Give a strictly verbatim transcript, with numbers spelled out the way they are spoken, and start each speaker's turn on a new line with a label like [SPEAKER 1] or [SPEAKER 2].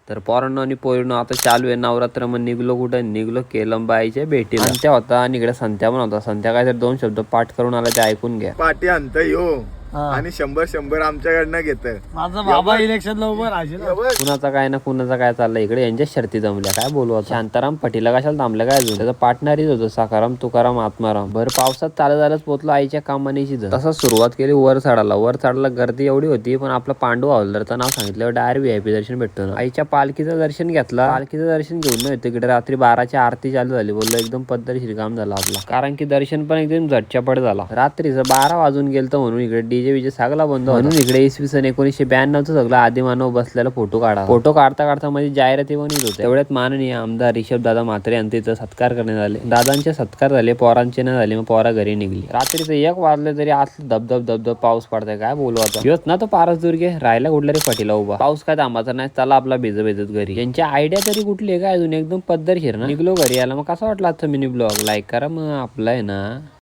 [SPEAKER 1] तर पोरांनो आणि पोरींनो आता चालू आहे नवरात्र. मग निघलो कुठं निघलो केलंबाईच्या भेटीला. संत्या होता आणि इकडे संत्या पण होता. संत्या काय तर दोन शब्द पाठ करून आला ते ऐकून घ्या.
[SPEAKER 2] पाठी आणत यो आणि शंभर शंभर आमच्याकडनं घेत.
[SPEAKER 3] माझा बाबा इलेक्शनला उभं राहील.
[SPEAKER 1] कुणाचा काय ना कुणाचा काय चाललंय इकडे. यांच्या शर्ती जमल्या काय बोलू आता. शांताराम पटीला कशाला थांबल्या काय अजून. त्याचा पार्टनरच होतो सखाराम तुकाराम आत्माराम. भर पावसात चालत चालत पोचलो आईच्या कामानीची. तसंच सुरुवात केली वर चढायला. वर चढायला गर्दी एवढी होती पण आपला पांडू हवालदारचं नाव सांगितलं डायरेक्ट व्ही आय पी दर्शन भेटतो ना. आईच्या पालखीचं दर्शन घेतला. पालखीचं दर्शन घेऊन न तिकडे रात्री बाराची आरती चालू झाली. बोललो एकदम पद्धतशीर काम झाला आपला. कारण की दर्शन पण एकदम झटच्यापट झाला. रात्रीचं बारा वाजून गेलं म्हणून इकडे डीजे विजे सगळा बंद म्हणून इकडे इसवी सन एकोणीसशे ब्याण्णवचं सगळं आदिमानव बसलेला फोटो काढा. फोटो काढता काढता मध्ये जाहिराती पण येत होते. तेवढ्यात माननीय आमदार रिषभ दादा म्हात्रे यांचे इथं सत्कार करण्यात आले. दादांचे सत्कार झाले पोरांचे न झाले. मग पोरा घरी निघली. रात्रीचं एक वाजले तरी असलं धबधब धबधब पाऊस पडताय काय बोलू आता. योच ना तो पारस दुर्गे राहिला कुठला रे पटीला उभा. पाऊस काय थांबाचा नाही. चला आपला भिज भिजत घरी. यांची आयडिया तरी कुठली आहे काय अजून एकदम पद्धतशीर ना. निघलो घरी याला. मग कसं वाटलं आजचा मिनी ब्लॉग लाईक करा. मग आपला आहे ना